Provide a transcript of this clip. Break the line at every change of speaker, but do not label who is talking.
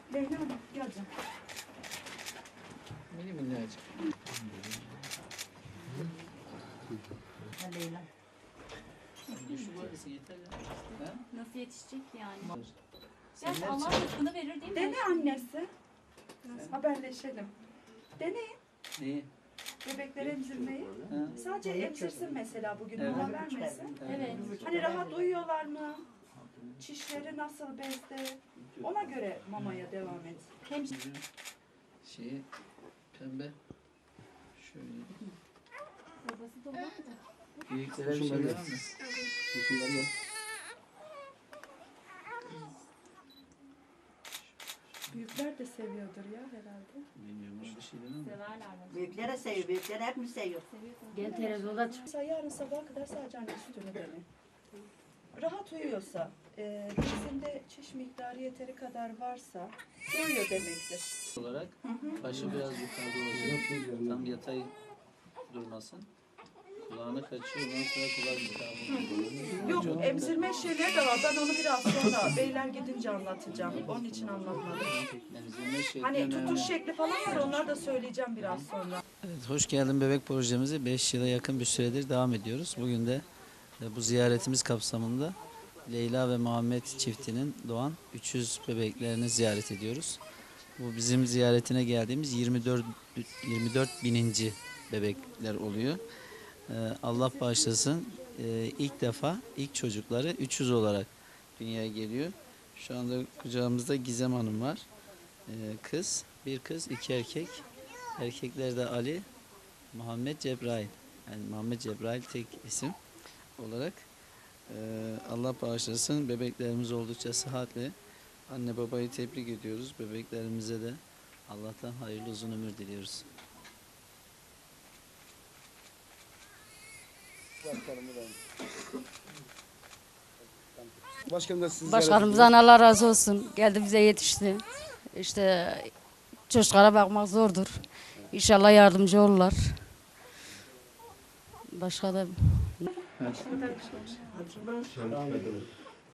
Leyla Hanım gel canım.
Mini minnacık.
Leyla.
Şu böylesi yeter ya. Ha?
Nasıl yetişecek ki yani?
Sen
Gerçi
ne
Allah
yapacaksın?
rızkını verir değil mi?
Dene annesi. Haberleşelim. Deneyin.
Neyi?
Bebekleri emzirmeyi.
Ha?
Sadece emzirsin mesela bugün
Evet.
mola vermesin.
Evet.
Hani rahat uyuyorlar mı? Çişleri nasıl bezde? Ona göre mamaya devam et.
Hem
Şeyi pembe. Şöyle.
babası da olan da.
Büyüklere bir şey var mı?
Büyükler de seviyordur ya herhalde.
Bilmiyorum öyle bir şey değil mi?
Severler bence.
Büyüklere seviyor, büyükler hep mi seviyor?
Seviyor.
Televizyonda çık.
Mesela yarın sabaha kadar sadece anne sütünü dene. Rahat uyuyorsa, dizinde çiş miktarı yeteri kadar varsa uyuyor demektir.
Olarak başı biraz yukarıda olacak. Tam yatay durmasın. Kulağına kaçıyor. Ondan sonra kulak iltihabı.
Yok, emzirme şeyleri de var. Ben onu biraz sonra beyler gidince anlatacağım. Onun için anlatmadım.
Emzirme şekli
Hani
önemli.
tutuş şekli falan var, onları da söyleyeceğim biraz sonra.
Evet, hoş geldin bebek projemizi 5 yıla yakın bir süredir devam ediyoruz. Bugün de bu ziyaretimiz kapsamında Leyla ve Muhammed çiftinin doğan 300 bebeklerini ziyaret ediyoruz. Bu bizim ziyaretine geldiğimiz 24 bininci bebekler oluyor. Allah bağışlasın, ilk defa ilk çocukları 300 olarak dünyaya geliyor. Şu anda kucağımızda Gizem Hanım var. Kız, bir kız, iki erkek. Erkekler de Ali, Muhammed Cebrail. Yani Muhammed Cebrail tek isim olarak. Allah bağışlasın. Bebeklerimiz oldukça sıhhatli. Anne babayı tebrik ediyoruz. Bebeklerimize de Allah'tan hayırlı uzun ömür diliyoruz.
Başkanım da sizi
Başkanımızdan Allah razı olsun. Geldi bize yetişti. İşte çocuklara bakmak zordur. İnşallah yardımcı olurlar. Başka da
ziyaret ediyoruz.